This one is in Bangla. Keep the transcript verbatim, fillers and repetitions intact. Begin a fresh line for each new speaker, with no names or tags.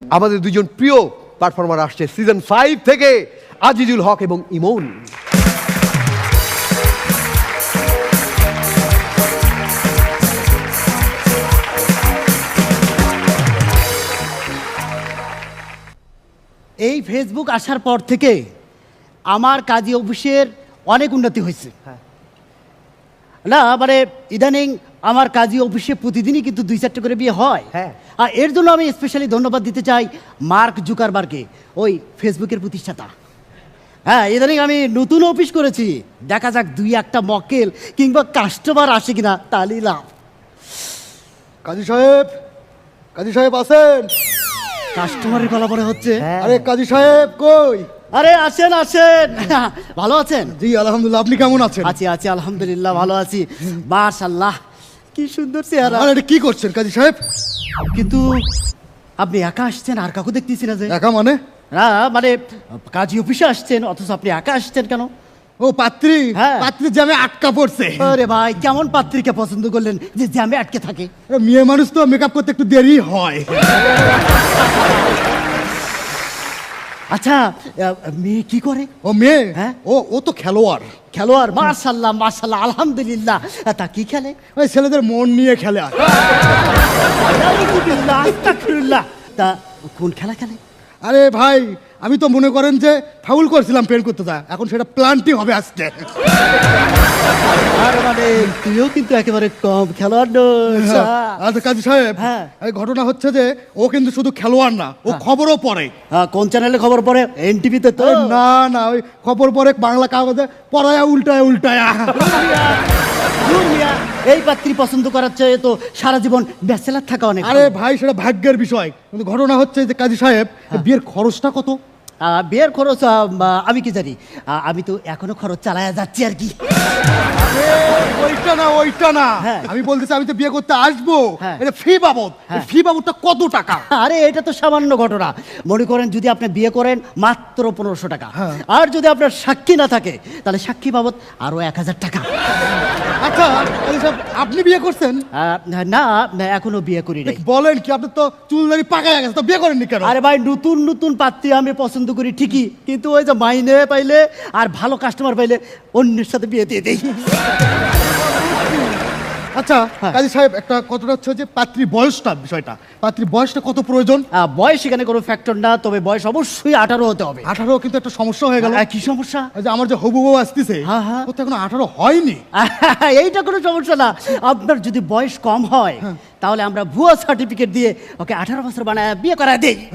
আমাদের দুজন প্রিয় পারফর্মার আসছে সিজন ফাইভ থেকে, আজিজুল হক এবং ইমন।
এই ফেসবুক আসার পর থেকে আমার কাজী অফিসের অনেক উন্নতি হয়েছে। না মানে ইদানিং আমার কাজী অফিসে প্রতিদিনই কিন্তু দুই চারটে করে বিয়ে হয়।
হ্যাঁ।
আর এর জন্য আমি স্পেশালি ধন্যবাদ দিতে চাই মার্ক জুকারবার্গকে, ওই ফেসবুকের প্রতিষ্ঠাতা। হ্যাঁ, ইদানিং আমি নতুন অফিস করেছি, দেখা যাক দুই একটা মক্কেল কিংবা কাস্টমার আসে কিনা, তাহলেই লাভ।
কাজী সাহেব, কাজী সাহেব আছেন?
কাস্টমারের গলা পরে হচ্ছে।
আরে কাজী সাহেব কই?
আরে আসেন আসেন, ভালো আছেন?
জি আলহামদুলিল্লাহ, আপনি কেমন আছেন?
আছি আছি আলহামদুলিল্লাহ, ভালো আছি। মাশাআল্লাহ, কি সুন্দর চেহারা।
আর এটা কি করছেন কাজী সাহেব?
কিন্তু আপনি একা আসছেন, আর কাউকে দেখতেছি না যে।
একা মানে?
না মানে কাজী অফিসে আসছেন অথচ আপনি একা আসছেন কেন?
ও পাত্রী,
হ্যাঁ।
পাত্রী জ্যামে আটকা পড়ছে।
আরে ভাই, কেমন পাত্রীকে পছন্দ করলেন যে জ্যামে আটকে থাকে?
আরে মেয়ে মানুষ তো মেকআপ করতে একটু দেরি হয়।
আচ্ছা, আহ, মেয়ে কি করে?
ও মেয়ে?
হ্যাঁ।
ও ও তো খেলোয়াড়।
খেলোয়াড়? মাশাআল্লাহ মাশাআল্লাহ, আলহামদুলিল্লাহ। তা কি খেলে?
ওই ছেলেদের মন নিয়ে খেলে আর।
আলহামদুলিল্লাহ, আস্তাগফিরুল্লাহ। তা কোন খেলা খেলে?
আরে ভাই, আমি তো মনে করেন যে ফাউল করছিলাম পেন করতে, যা এখন সেটা প্লান্টি হবে আজকে।
আর মানে তুইও কিন্তু একেবারে কম খেলোয়াড় নস।
আচ্ছা কাজী সাহেব,
হ্যাঁ।
এই ঘটনা হচ্ছে যে ও কিন্তু শুধু খেলোয়াড় না, ও খবরও পড়ে।
হ্যাঁ, কোন চ্যানেলে খবর পড়ে? এনটিভিতে তো?
এই না না, ওই খবর পড়ে বাংলা কাগজে, পড়ায়া উল্টায়া উল্টায়া।
ধুর মিয়া, এই পাত্রী পছন্দ করার চেয়ে তো সারা জীবন ব্যাচেলার থাকা অনেক।
আরে ভাই, সেটা ভাগ্যের বিষয়। কিন্তু ঘটনা হচ্ছে যে কাজী সাহেব, বিয়ের খরচটা কত?
আহ, বিয়ের খরচ আহ, আমি কি জানি, আহ, আমি তো এখনো খরচ চালায়া যাচ্ছি আর কি।
আরে ওইটা না, ওইটা না,
হ্যাঁ।
আমি বলতেছি আমি তো বিয়ে করতে আসবো,
হ্যাঁ।
এটা ফি বাবদ।
হ্যাঁ।
ফি বাবদটা কত টাকা?
আরে এটা তো সামান্য ঘটনা। মনে করেন যদি আপনি বিয়ে করেন মাত্র পনেরোশো টাকা,
হ্যাঁ।
আর যদি আপনার সাক্ষী না থাকে তাহলে সাক্ষী বাবদ আরো এক হাজার টাকা।
আচ্ছা কাজী সাহেব, আপনি বিয়ে করছেন?
আহ, না না, এখনো বিয়ে করি নাই।
বলেন কি, আপনি তো চুলদারি পাকায় গেছে, তো বিয়ে করেননি কেন?
আরে ভাই, নতুন নতুন পাত্রী আমি পছন্দ করি ঠিকই, কিন্তু ওই যে মাইনে পাইলে আর ভালো কাস্টমার পাইলে অন্যের সাথে বিয়ে দিয়ে দেই।
আচ্ছা
হ্যাঁ।
কাজী সাহেব, একটা কথাটা হচ্ছে যে পাত্রী বয়সটা, বিষয়টা পাত্রী বয়সটা কত প্রয়োজন?
আহ, বয়স এখানে কোনো ফ্যাক্টর না, তবে বয়স অবশ্যই আঠারো হতে হবে।
আঠারো কিন্তু একটা সমস্যা হয়ে গেল।
আহ, কি সমস্যা?
ওই যে আমার যে হবু বউ আসতেছে,
হ্যাঁ, হ্যাঁ।
ও তো এখন আঠারো হয়নি।
এইটা কোনো সমস্যা না। আপনার যদি বয়স কম হয় তাহলে আমরা ভুয়া সার্টিফিকেট দিয়ে ওকে আঠারো বছর বানায় বিয়ে করায় দেই।